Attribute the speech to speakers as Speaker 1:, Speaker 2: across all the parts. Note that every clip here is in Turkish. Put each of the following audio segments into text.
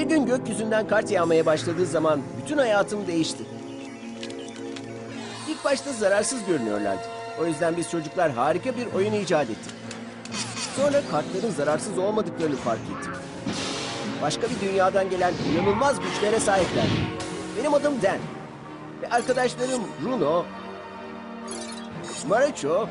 Speaker 1: Bir gün gökyüzünden kart yağmaya başladığı zaman bütün hayatım değişti. İlk başta zararsız görünüyorlardı. O yüzden biz çocuklar harika bir oyun icat ettik. Sonra kartların zararsız olmadıklarını fark ettim. Başka bir dünyadan gelen inanılmaz güçlere sahipler. Benim adım Dan. Ve arkadaşlarım Bruno, Marucho,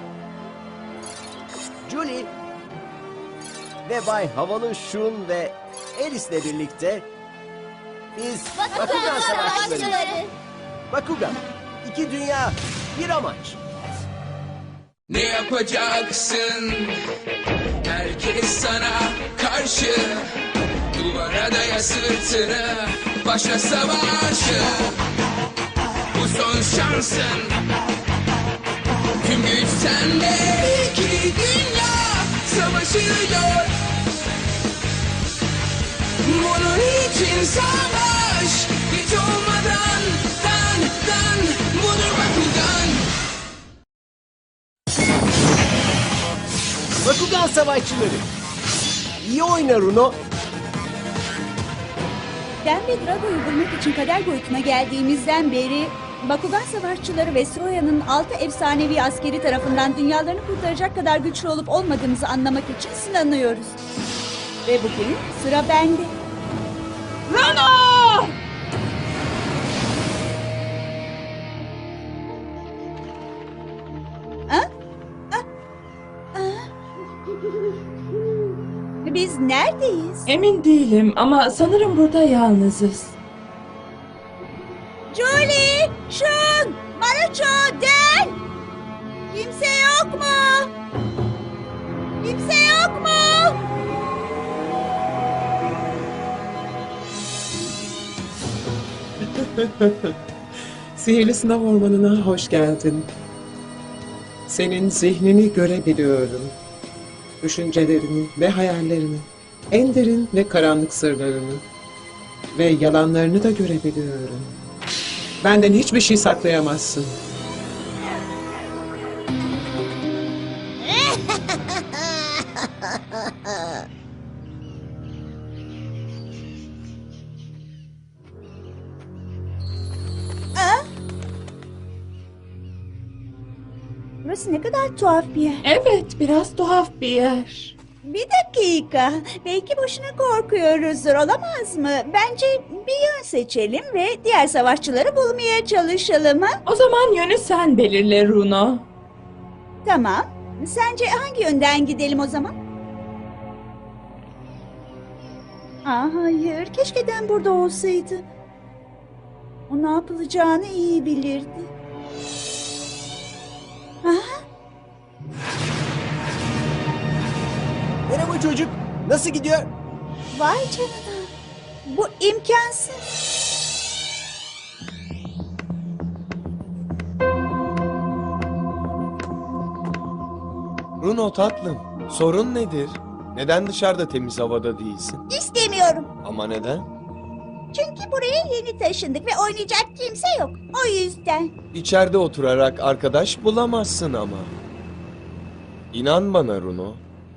Speaker 1: Julie ve Bay Havalı Şun ve Alice'le birlikte biz Bakugan Savaşçıları. Bakugan, iki dünya, bir amaç.
Speaker 2: Ne yapacaksın? Herkes sana karşı. Duvara daya sırtını, başla savaşı. Bu son şansın. Tüm güç sende. İki dünya savaşıyor. Bunun için savaş. Hiç olmadan dan budur Bakugan.
Speaker 1: Bakugan Savaşçıları. İyi oyna Runo.
Speaker 3: Dan ve Drago'yu bulmak için kader boyutuna geldiğimizden beri Bakugan Savaşçıları ve Stroya'nın 6 efsanevi askeri tarafından dünyalarını kurtaracak kadar güçlü olup olmadığımızı anlamak için sınanıyoruz. Ve bugün sıra bende. Rano! Ha? Biz neredeyiz?
Speaker 4: Emin değilim ama sanırım burada yalnızız.
Speaker 3: Julie, Shun, Marucho, Dan! Kimse yok mu? Kimse yok mu?
Speaker 5: Sihirli sınav ormanına hoş geldin. Senin zihnini görebiliyorum. Düşüncelerini ve hayallerini, en derin ve karanlık sırlarını ve yalanlarını da görebiliyorum. Benden hiçbir şey saklayamazsın.
Speaker 3: Burası ne kadar tuhaf bir yer.
Speaker 4: Evet, biraz tuhaf bir yer.
Speaker 3: Bir dakika. Belki boşuna korkuyoruzdur, olamaz mı? Bence bir yön seçelim ve diğer savaşçıları bulmaya çalışalım, ha?
Speaker 4: O zaman yönü sen belirle Runo.
Speaker 3: Tamam. Sence hangi yönden gidelim o zaman? Hayır. Keşke Dan burada olsaydı. O ne yapılacağını iyi bilirdi.
Speaker 1: Merhaba çocuk, nasıl gidiyor?
Speaker 3: Vay canına. Bu imkansız.
Speaker 6: Bruno tatlım, sorun nedir? Neden dışarıda temiz havada değilsin?
Speaker 3: İstemiyorum.
Speaker 6: Ama neden?
Speaker 3: Çünkü buraya yeni taşındık ve oynayacak kimse yok. O yüzden.
Speaker 6: İçeride oturarak arkadaş bulamazsın ama. İnan bana Bruno.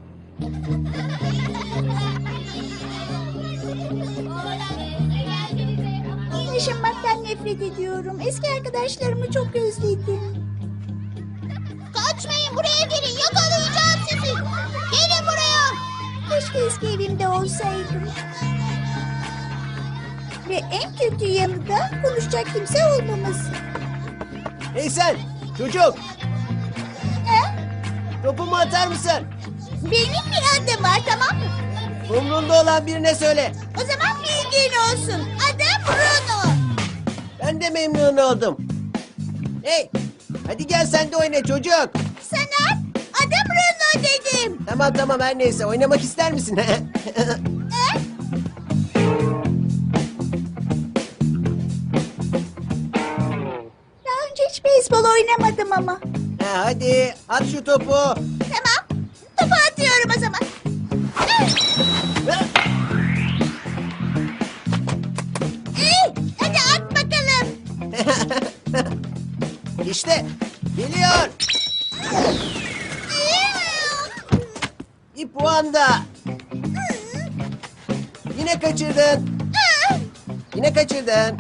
Speaker 3: Yaşamaktan nefret ediyorum. Eski arkadaşlarımı çok özledim. Kaçmayın, buraya gelin, yakalayacağım sizi. Gelin buraya. Keşke eski evimde olsaydım. Ve en kötü yanı da konuşacak kimse olmaması.
Speaker 1: Hey sen, çocuk,
Speaker 3: He?
Speaker 1: topumu atar mısın?
Speaker 3: Benim bir adım var, tamam mı?
Speaker 1: Umrunda olan birine söyle.
Speaker 3: O zaman bilgin olsun. Adım Bruno.
Speaker 1: Ben de memnun oldum. Hey, hadi gel sen de oyna çocuk.
Speaker 3: Sana adım Bruno dedim.
Speaker 1: Tamam her neyse, oynamak ister misin?
Speaker 3: Daha önce hiç beyzbol oynamadım ama.
Speaker 1: Hadi at şu topu.
Speaker 3: Tamam. Topu atıyorum o zaman. Hadi at bakalım.
Speaker 1: İşte geliyor. Bir puan da. Yine kaçırdın. Yine kaçırdın.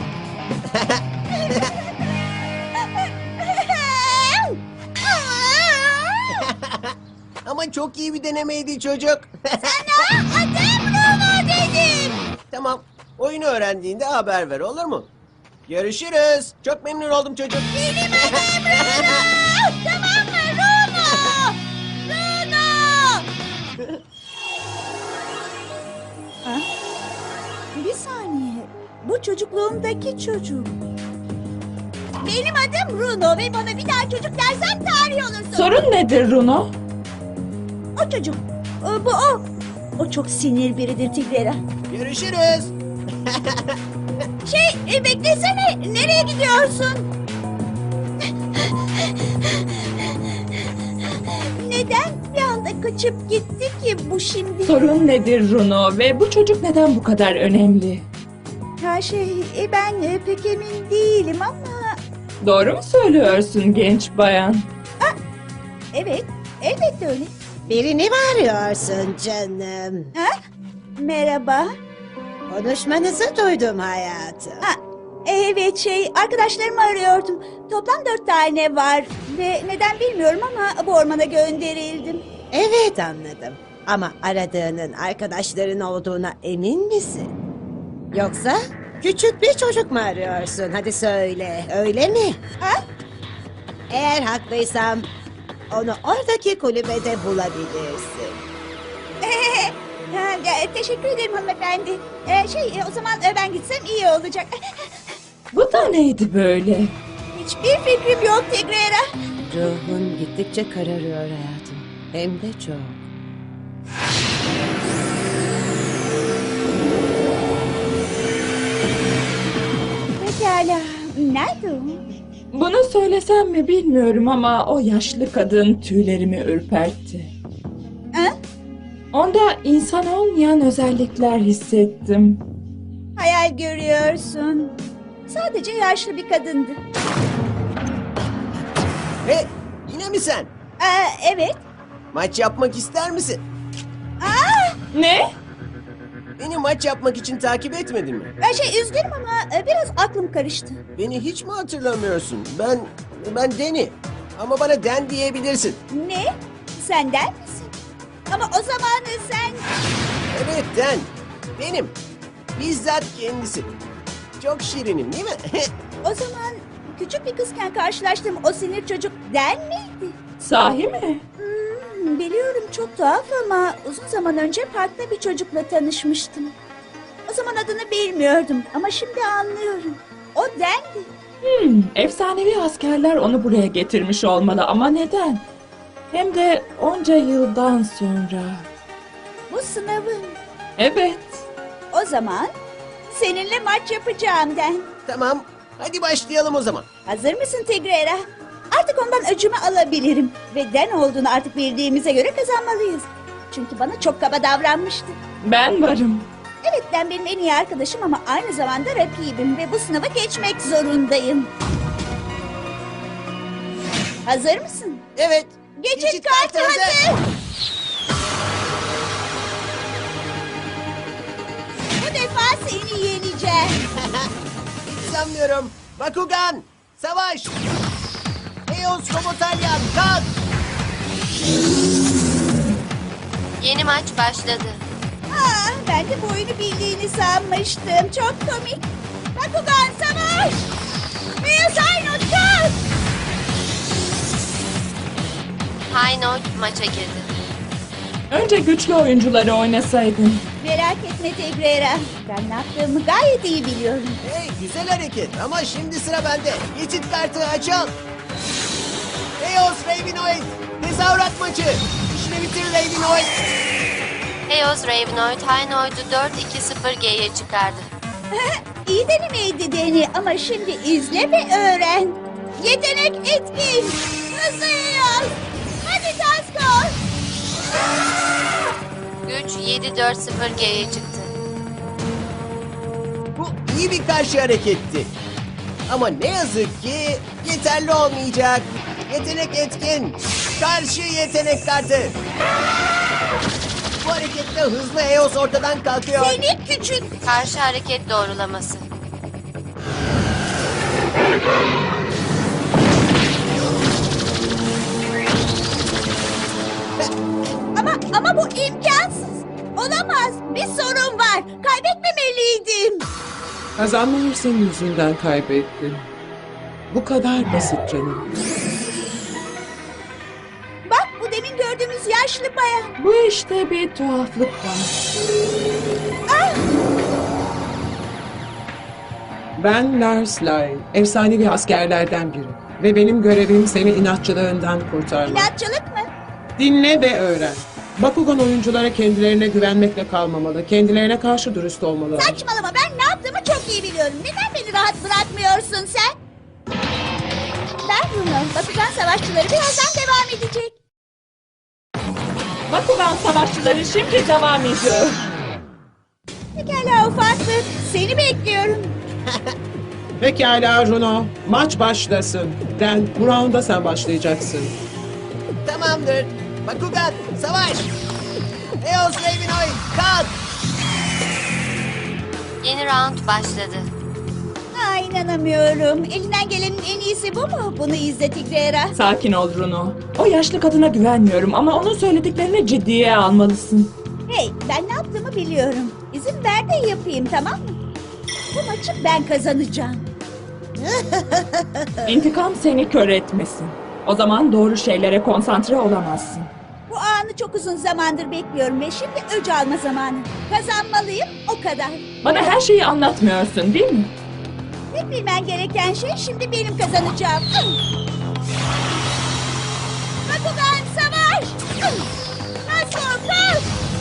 Speaker 1: Ama çok iyi bir denemeydi çocuk.
Speaker 3: Adım Bruno dedim.
Speaker 1: Tamam. Oyunu öğrendiğinde haber ver, olur mu? Görüşürüz. Çok memnun oldum çocuk.
Speaker 3: Benim adım Bruno. Tamam mı Bruno? Bruno. Ha? Bir saniye. Bu çocukluğumdaki çocuk. Benim adım Bruno ve bana bir daha çocuk dersen tarih olursun.
Speaker 4: Sorun nedir Runo?
Speaker 3: O çocuk. Bu o. O çok sinir biridir Tigrera.
Speaker 1: Görüşürüz.
Speaker 3: Beklesene. Nereye gidiyorsun? Neden bir anda kaçıp gitti ki bu şimdi?
Speaker 4: Sorun nedir Runo ve bu çocuk neden bu kadar önemli?
Speaker 3: Ben pek emin değilim ama...
Speaker 4: Doğru mu söylüyorsun genç bayan?
Speaker 3: Evet, elbette öyle.
Speaker 7: Birini mi arıyorsun canım?
Speaker 3: Ha? Merhaba.
Speaker 7: Konuşmanızı duydum hayatım.
Speaker 3: Evet arkadaşlarımı arıyordum. Toplam 4 tane var ve neden bilmiyorum ama bu ormana gönderildim.
Speaker 7: Evet anladım. Ama aradığının arkadaşların olduğuna emin misin? Yoksa küçük bir çocuk mu arıyorsun? Hadi söyle, öyle mi?
Speaker 3: Ha?
Speaker 7: Eğer haklıysam onu oradaki kulübede bulabilirsin.
Speaker 3: Teşekkür ederim hanımefendi. O zaman ben gitsem iyi olacak.
Speaker 4: Bu da neydi böyle?
Speaker 3: Hiçbir fikrim yok Tigrera.
Speaker 7: Ruhun gittikçe kararıyor hayatım. Hem de çok.
Speaker 3: Pekala. Nerede o?
Speaker 4: Bunu söylesem mi bilmiyorum ama o yaşlı kadın tüylerimi ürpertti.
Speaker 3: Ha?
Speaker 4: Onda insan olmayan özellikler hissettim.
Speaker 3: Hayal görüyorsun. Sadece yaşlı bir kadındı.
Speaker 1: Hey, yine mi sen?
Speaker 3: Evet.
Speaker 1: Maç yapmak ister misin?
Speaker 4: Ne?
Speaker 1: Beni maç yapmak için takip etmedin mi?
Speaker 3: Üzgünüm ama biraz aklım karıştı.
Speaker 1: Beni hiç mi hatırlamıyorsun? Ben Deni. Ama bana Den diyebilirsin.
Speaker 3: Ne? Senden misin? Ama o zaman sen...
Speaker 1: Evet Den. Benim. Bizzat kendisi. Çok şirinim değil mi?
Speaker 3: O zaman küçük bir kızken karşılaştığım o sinir çocuk Den miydi?
Speaker 4: Sahi mi?
Speaker 3: Biliyorum çok tuhaf ama uzun zaman önce parkta bir çocukla tanışmıştım. O zaman adını bilmiyordum ama şimdi anlıyorum. O Den'di.
Speaker 4: Efsanevi askerler onu buraya getirmiş olmalı ama neden? Hem de onca yıldan sonra.
Speaker 3: Bu sınavın.
Speaker 4: Evet.
Speaker 3: O zaman seninle maç yapacağım Den.
Speaker 1: Tamam. Hadi başlayalım o zaman.
Speaker 3: Hazır mısın Tigrera? Artık ondan öcümü alabilirim. Ve Den olduğunu artık bildiğimize göre kazanmalıyız. Çünkü bana çok kaba davranmıştı.
Speaker 4: Ben varım.
Speaker 3: Evet Den benim en iyi arkadaşım ama aynı zamanda rakibim. Ve bu sınavı geçmek zorundayım. Hazır mısın?
Speaker 1: Evet.
Speaker 3: Geçit kartı hazır. Bu defa seni yeneceğim.
Speaker 1: Hiç sanmıyorum. Bakugan. Savaş. Eos Robotalyan. Kalk.
Speaker 8: Yeni maç başladı.
Speaker 3: Ben de bu oyunu bildiğini sanmıştım. Çok komik. Bakugan savaş. Eos Aynut kalk.
Speaker 8: High Note maça girdi.
Speaker 4: Önce güçlü oyuncuları oynasaydın.
Speaker 3: Merak etme Tigrera. Ben ne yaptığımı gayet iyi biliyorum.
Speaker 1: Hey, güzel hareket ama şimdi sıra bende. Geçit kartı açıl. Eos Ravenoid. Tezahürat maçı. İşini bitir Ravenoid.
Speaker 8: Eos Ravenoid High Note'u 4-2-0G'ye çıkardı.
Speaker 3: İyi denemeydi Deni ama şimdi izle ve öğren. Yetenek etkin. Hızlı Eos. Hadi Tasko.
Speaker 8: Güç 7-4-0G'ye çıktı.
Speaker 1: Bu iyi bir karşı hareketti. Ama ne yazık ki yeterli olmayacak. Yetenek etkin. Karşı yetenek kartı. Bu hareketle hızlı Eos ortadan kalkıyor.
Speaker 3: Seni küçük.
Speaker 8: Karşı hareket doğrulaması.
Speaker 3: Ama bu imkansız. Olamaz. Bir sorun var. Kaybetmemeliydim.
Speaker 5: Kazanma hırsın yüzünden kaybettin. Bu kadar basit canım.
Speaker 3: Bak bu demin gördüğümüz yaşlı bayan.
Speaker 4: Bu işte bir tuhaflık var.
Speaker 5: Ben Lars Lyle, efsanevi askerlerden biri. Ve benim görevim seni inatçılığından kurtarmak.
Speaker 3: İnatçılık mı?
Speaker 5: Dinle ve öğren. Bakugan oyunculara kendilerine güvenmekle kalmamalı. Kendilerine karşı dürüst olmalı.
Speaker 3: Saçmalama, ben ne yaptığımı çok iyi biliyorum. Neden beni rahat bırakmıyorsun sen? Ben Bruno. Bakugan savaşçıları birazdan devam edecek.
Speaker 4: Bakugan savaşçıları şimdi devam ediyor.
Speaker 3: Pekala ufaklık. Seni bekliyorum.
Speaker 5: Pekala Runo, maç başlasın. Den, bu rounda sen başlayacaksın.
Speaker 1: Tamamdır. Bakugan, savaş! Eos Ravenoid, kalk!
Speaker 8: Yeni round başladı.
Speaker 3: Ha, inanamıyorum. Elinden gelenin en iyisi bu mu? Bunu izle Tigrera.
Speaker 4: Sakin ol Runo. O yaşlı kadına güvenmiyorum ama onun söylediklerini ciddiye almalısın.
Speaker 3: Hey, ben ne yaptığımı biliyorum. İzin ver de yapayım, tamam mı? Bu maçı ben kazanacağım.
Speaker 4: İntikam seni kör etmesin. O zaman doğru şeylere konsantre olamazsın.
Speaker 3: Bu anı çok uzun zamandır bekliyorum ve şimdi öc alma zamanı. Kazanmalıyım, o kadar.
Speaker 4: Bana her şeyi anlatmıyorsun değil mi?
Speaker 3: Tek bilmen gereken şey şimdi benim kazanacağım. Bakugan savaş! Nasıl kalk!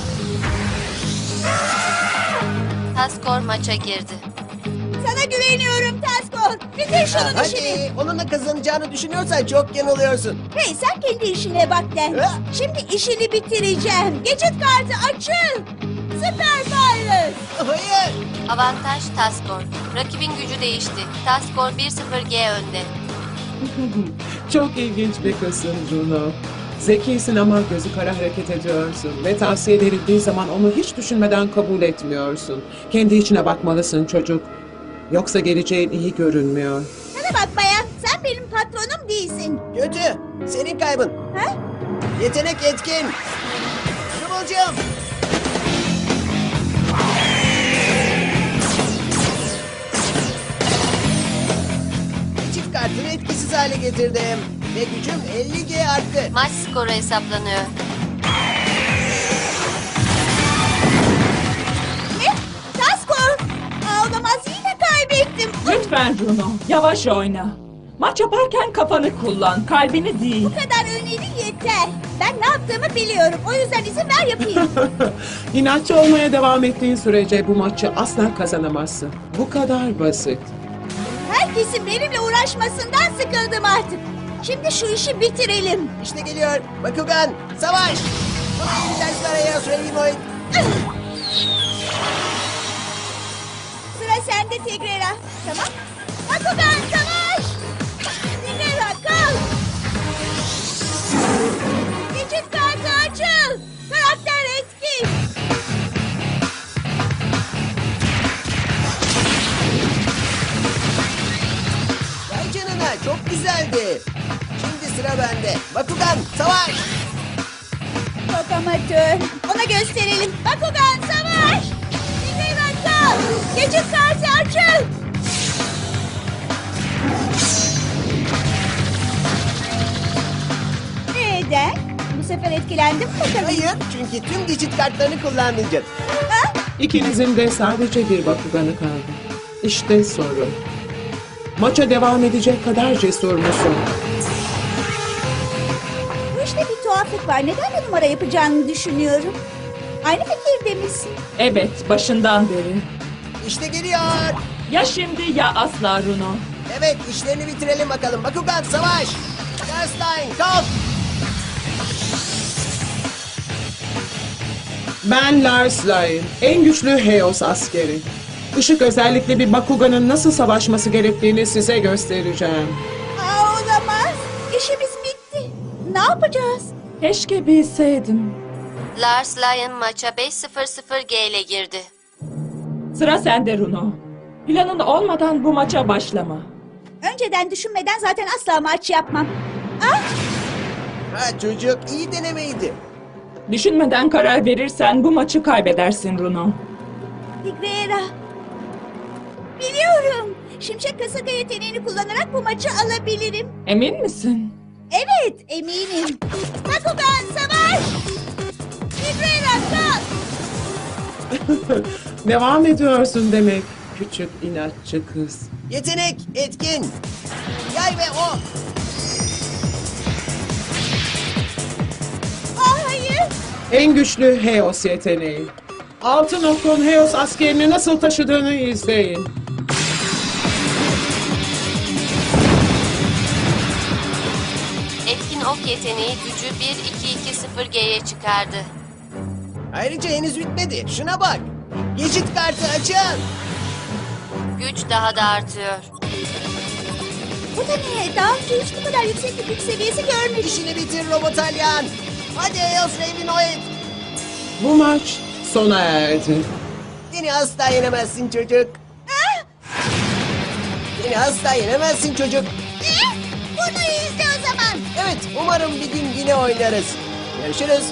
Speaker 8: Taskor maça girdi.
Speaker 3: Sana güveniyorum Taskor. Bitir şunun işini.
Speaker 1: Hadi, onunla kazanacağını düşünüyorsan çok yanılıyorsun.
Speaker 3: Hey, sen kendi işine bak Den.
Speaker 1: Ha?
Speaker 3: Şimdi işini bitireceğim. Geçit kartı açıl. Süper Virus.
Speaker 1: Hayır!
Speaker 8: Avantaj Taskor. Rakibin gücü değişti. Taskor 1-0G önde.
Speaker 5: Çok ilginç bir kızsın Runo. Zekisin ama gözü kara hareket ediyorsun. Ve tavsiye verildiği zaman onu hiç düşünmeden kabul etmiyorsun. Kendi içine bakmalısın çocuk. Yoksa geleceğin iyi görünmüyor.
Speaker 3: Sana bak bayan, sen benim patronum değilsin.
Speaker 1: Kötü, senin kaybın.
Speaker 3: Ha?
Speaker 1: Yetenek etkin. Kıvılcım. Çift kartını etkisiz hale getirdim. Ve gücüm 50G arttı.
Speaker 8: Maç skoru hesaplanıyor.
Speaker 3: Ne? Taskor. Olamaz, yine kaybettim.
Speaker 4: Lütfen Runo, yavaş oyna. Maç yaparken kafanı kullan, kalbini değil.
Speaker 3: Bu kadar öneri yeter. Ben ne yaptığımı biliyorum. O yüzden izin ver yapayım.
Speaker 5: İnatçı olmaya devam ettiğin sürece bu maçı asla kazanamazsın. Bu kadar basit.
Speaker 3: Herkesin benimle uğraşmasından sıkıldım artık. Şimdi şu işi bitirelim.
Speaker 1: İşte geliyor. Bakugan, savaş! İyi dersler Eos Ravenoid.
Speaker 3: Sıra sende Tigrera. Tamam. Bakugan savaş! Tigrera kal! Geçit kartı açıl! Karakter etkin!
Speaker 1: Vay canına, çok güzeldi. Şimdi sıra bende. Bakugan, savaş!
Speaker 3: Çok amatör. Ona gösterelim. Bakugan savaş! Tigrera kal! Geçit kartı açıl! Neden? Bu sefer etkilendim mi bakalım?
Speaker 1: Hayır, çünkü tüm geçit kartlarını kullanmayacak.
Speaker 3: Ha?
Speaker 5: İkinizin de sadece bir Bakugan'ı kaldı. İşte soru. Maça devam edecek kadar cesur musun?
Speaker 3: Bu işte bir tuhaflık var. Neden bu numara yapacağını düşünüyorum. Aynı fikirde misin?
Speaker 4: Evet, başından beri.
Speaker 1: İşte geliyor.
Speaker 4: Ya şimdi ya asla Runo.
Speaker 1: Evet, işlerini bitirelim bakalım. Bakugan, savaş! Garstein, kalk!
Speaker 5: Ben Lars Lyle, en güçlü Heos askeri. Işık özellikle bir Bakugan'ın nasıl savaşması gerektiğini size göstereceğim.
Speaker 3: Olamaz. İşimiz bitti. Ne yapacağız?
Speaker 4: Keşke bilseydim.
Speaker 8: Lars Lyon maça 5-0-0G ile girdi.
Speaker 4: Sıra sende Runo. Planın olmadan bu maça başlama.
Speaker 3: Önceden düşünmeden zaten asla maç yapmam.
Speaker 1: Ha çocuk, iyi denemeydi.
Speaker 4: Düşünmeden karar verirsen bu maçı kaybedersin Runo.
Speaker 3: Tigrera. Biliyorum. Şimşek kasaka yeteneğini kullanarak bu maçı alabilirim.
Speaker 4: Emin misin?
Speaker 3: Evet, eminim. Bakugan savaş! Tigrera kalk!
Speaker 5: Devam ediyorsun demek küçük inatçı kız.
Speaker 1: Yetenek, etkin. Yay ve o.
Speaker 3: Hayır.
Speaker 5: En güçlü Heos yeteneği. Altın okun Heos askerini nasıl taşıdığını izleyin.
Speaker 8: Etkin ok yeteneği gücü 1-2-2-0G'ye çıkardı.
Speaker 1: Ayrıca henüz bitmedi. Şuna bak. Geçit kartı açın.
Speaker 8: Güç daha da artıyor.
Speaker 3: Bu da ne? Daha önce hiç bu kadar yüksek bir güç seviyesi görmedim.
Speaker 1: İşini bitir Robotalyan. Hadi Eos Ravenoid.
Speaker 5: Bu maç sona erdi.
Speaker 1: Seni asla yenemezsin çocuk. Seni asla yenemezsin çocuk.
Speaker 3: Bunu izle o zaman.
Speaker 1: Evet, umarım bir gün yine oynarız. Görüşürüz.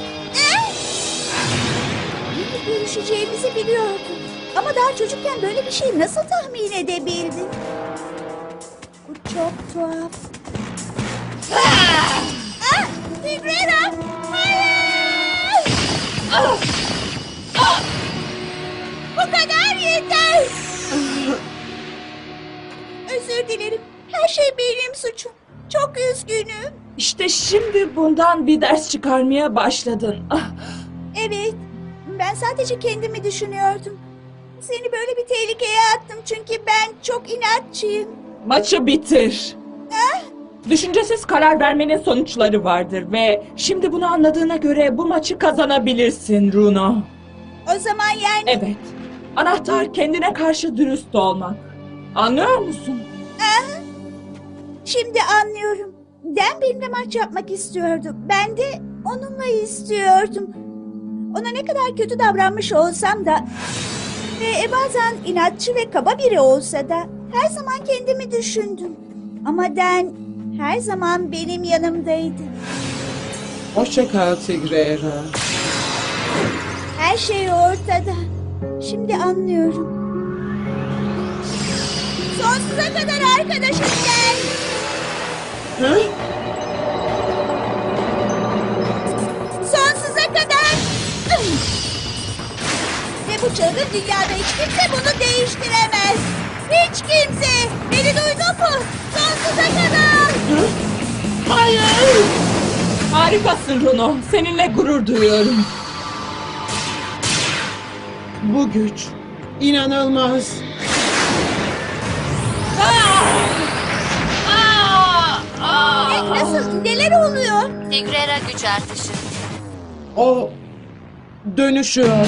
Speaker 3: Yine görüşeceğimizi biliyordum. Ama daha çocukken böyle bir şey nasıl tahmin edebildin? Bu çok tuhaf. Tigrera! Hayır! Bu kadar yeter! Özür dilerim. Her şey benim suçum. Çok üzgünüm.
Speaker 4: İşte şimdi bundan bir ders çıkarmaya başladın.
Speaker 3: Evet. Ben sadece kendimi düşünüyordum. Seni böyle bir tehlikeye attım çünkü ben çok inatçıyım.
Speaker 4: Maçı bitir. Düşüncesiz karar vermenin sonuçları vardır ve şimdi bunu anladığına göre bu maçı kazanabilirsin Runo.
Speaker 3: O zaman yani...
Speaker 4: Evet. Anahtar kendine karşı dürüst olmak. Anlıyor musun?
Speaker 3: Şimdi anlıyorum. Dan benimle maç yapmak istiyordu. Ben de onunla istiyordum. Ona ne kadar kötü davranmış olsam da... Ve bazen inatçı ve kaba biri olsa da... Her zaman kendimi düşündüm. Ama Dan her zaman benim yanımdaydı.
Speaker 5: Hoşça kal Tigrera.
Speaker 3: Her şey ortada. Şimdi anlıyorum. Sonsuza kadar arkadaşım Dan.
Speaker 5: Hı?
Speaker 3: Sonsuza kadar. Ve bu çılgın dünyada hiç kimse bunu değiştiremez. Hiç kimse. Beni duydun mu? Sonsuza kadar.
Speaker 5: Hayır!
Speaker 4: Harikasın Runo. Seninle gurur duyuyorum.
Speaker 5: Bu güç inanılmaz.
Speaker 3: Nasıl? Neler oluyor?
Speaker 8: Tigrera güç artışı.
Speaker 5: O dönüşüyor.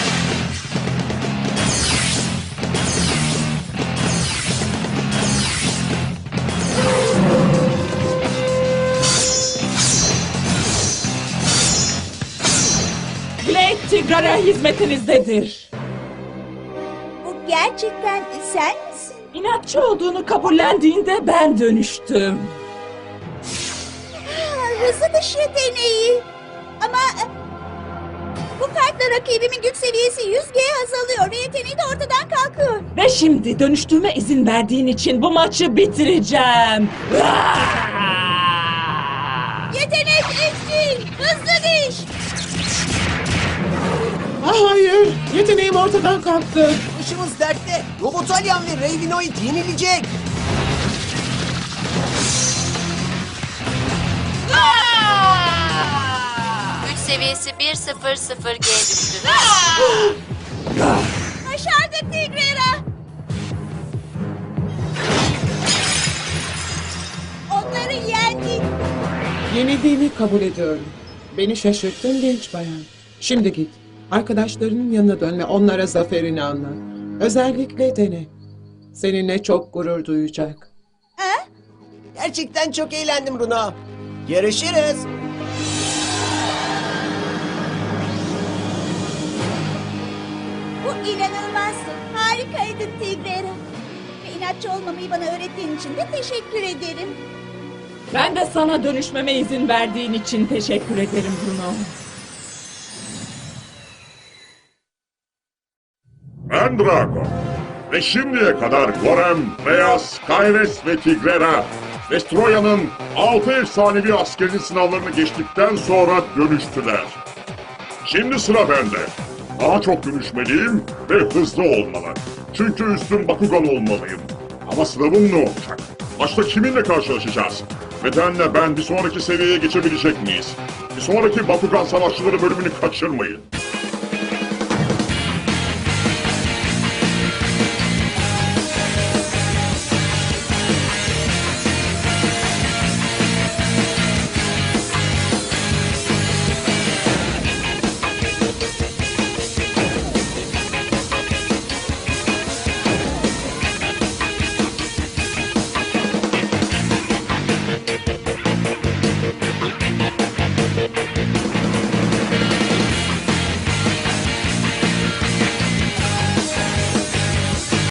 Speaker 4: Blade Tigrera hizmetinizdedir.
Speaker 3: Bu gerçekten sen misin?
Speaker 4: İnatçı olduğunu kabullendiğinde ben dönüştüm.
Speaker 3: Hızlı dış yeteneği. Ama bu kartla rakibimin güç seviyesi 100G azalıyor ve yeteneği de ortadan kalkıyor.
Speaker 4: Ve şimdi dönüştüğüme izin verdiğin için bu maçı bitireceğim.
Speaker 3: Yetenek etkin, hızlı diş.
Speaker 5: Hayır, yeteneğim ortadan kalktı.
Speaker 1: Başımız dertte. Robotalyan ve Ravenoid yenilecek.
Speaker 8: Güç seviyesi 1-0-0G düştü.
Speaker 3: Başardık Tigrera. Onları yendik.
Speaker 5: Yenildiğimi kabul ediyorum. Beni şaşırttın genç bayan. Şimdi git. Arkadaşlarının yanına dön ve onlara zaferini anlat. Özellikle dene. Seninle çok gurur duyacak.
Speaker 1: Gerçekten çok eğlendim Runo. Görüşürüz.
Speaker 3: Bu inanılmazdı. Harikaydın Tigrera. inatçı olmamayı bana öğrettiğin için de teşekkür ederim.
Speaker 4: Ben de sana dönüşmeme izin verdiğin için teşekkür ederim Bruno.
Speaker 9: Ben Drago. Ve şimdiye kadar Gorem, Reyes, Kayres ve Tigrera, Vestroya'nın 6 efsanevi askerin sınavlarını geçtikten sonra dönüştüler. Şimdi sıra bende. Daha çok dönüşmeliyim ve hızlı olmalı. Çünkü üstün Bakugan olmalıyım. Ama sınavım ne olacak? Başta kiminle karşılaşacağız? Bedenle ben bir sonraki seviyeye geçebilecek miyiz? Bir sonraki Bakugan Savaşçıları bölümünü kaçırmayın.